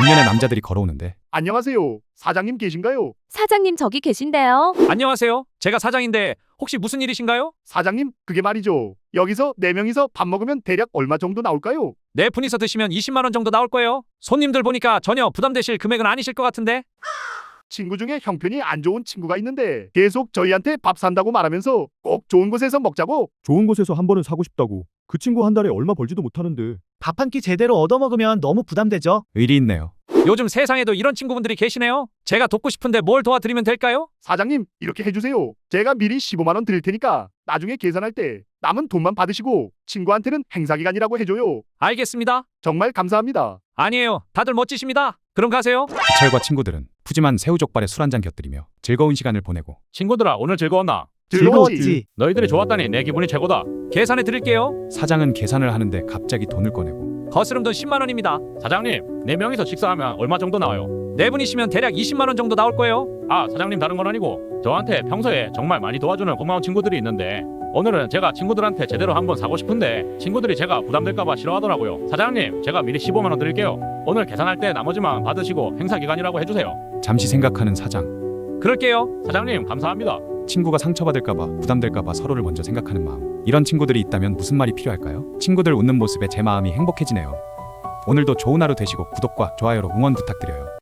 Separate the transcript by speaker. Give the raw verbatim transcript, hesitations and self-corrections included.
Speaker 1: 중년의 남자들이 걸어오는데
Speaker 2: 안녕하세요. 사장님 계신가요?
Speaker 3: 사장님 저기 계신데요.
Speaker 4: 안녕하세요. 제가 사장인데 혹시 무슨 일이신가요?
Speaker 2: 사장님, 그게 말이죠. 여기서 네 명이서 밥 먹으면 대략 얼마 정도 나올까요?
Speaker 4: 네 분이서 드시면 이십만 원 정도 나올 거예요. 손님들 보니까 전혀 부담되실 금액은 아니실 것 같은데.
Speaker 2: 친구 중에 형편이 안 좋은 친구가 있는데 계속 저희한테 밥 산다고 말하면서 꼭 좋은 곳에서 먹자고.
Speaker 5: 좋은 곳에서 한 번은 사고 싶다고. 그 친구 한 달에 얼마 벌지도 못하는데.
Speaker 6: 밥 한 끼 제대로 얻어먹으면 너무 부담되죠.
Speaker 1: 의리 있네요.
Speaker 4: 요즘 세상에도 이런 친구분들이 계시네요. 제가 돕고 싶은데 뭘 도와드리면 될까요?
Speaker 2: 사장님, 이렇게 해주세요. 제가 미리 십오만 원 드릴 테니까 나중에 계산할 때 남은 돈만 받으시고 친구한테는 행사기간이라고 해줘요.
Speaker 4: 알겠습니다.
Speaker 2: 정말 감사합니다.
Speaker 4: 아니에요. 다들 멋지십니다. 그럼 가세요.
Speaker 1: 기철과 친구들은 푸짐한 새우족발에 술 한잔 곁들이며 즐거운 시간을 보내고
Speaker 7: 친구들아, 오늘 즐거웠나?
Speaker 6: 즐거웠지.
Speaker 7: 너희들이 좋았다니 내 기분이 최고다.
Speaker 4: 계산해 드릴게요.
Speaker 1: 사장은 계산을 하는데 갑자기 돈을 꺼내고
Speaker 4: 거스름 돈 십만 원입니다.
Speaker 7: 사장님, 네 명이서 식사하면 얼마 정도 나와요?
Speaker 4: 네 분이시면 대략 이십만 원 정도 나올 거예요.
Speaker 7: 아, 사장님, 다른 건 아니고 저한테 평소에 정말 많이 도와주는 고마운 친구들이 있는데 오늘은 제가 친구들한테 제대로 한번 사고 싶은데 친구들이 제가 부담될까봐 싫어하더라고요. 사장님, 제가 미리 십오만 원 드릴게요. 오늘 계산할 때 나머지만 받으시고 행사 기간이라고 해주세요.
Speaker 1: 잠시 생각하는 사장.
Speaker 4: 그럴게요.
Speaker 7: 사장님, 감사합니다.
Speaker 1: 친구가 상처받을까봐 부담될까봐 서로를 먼저 생각하는 마음. 이런 친구들이 있다면 무슨 말이 필요할까요? 친구들 웃는 모습에 제 마음이 행복해지네요. 오늘도 좋은 하루 되시고 구독과 좋아요로 응원 부탁드려요.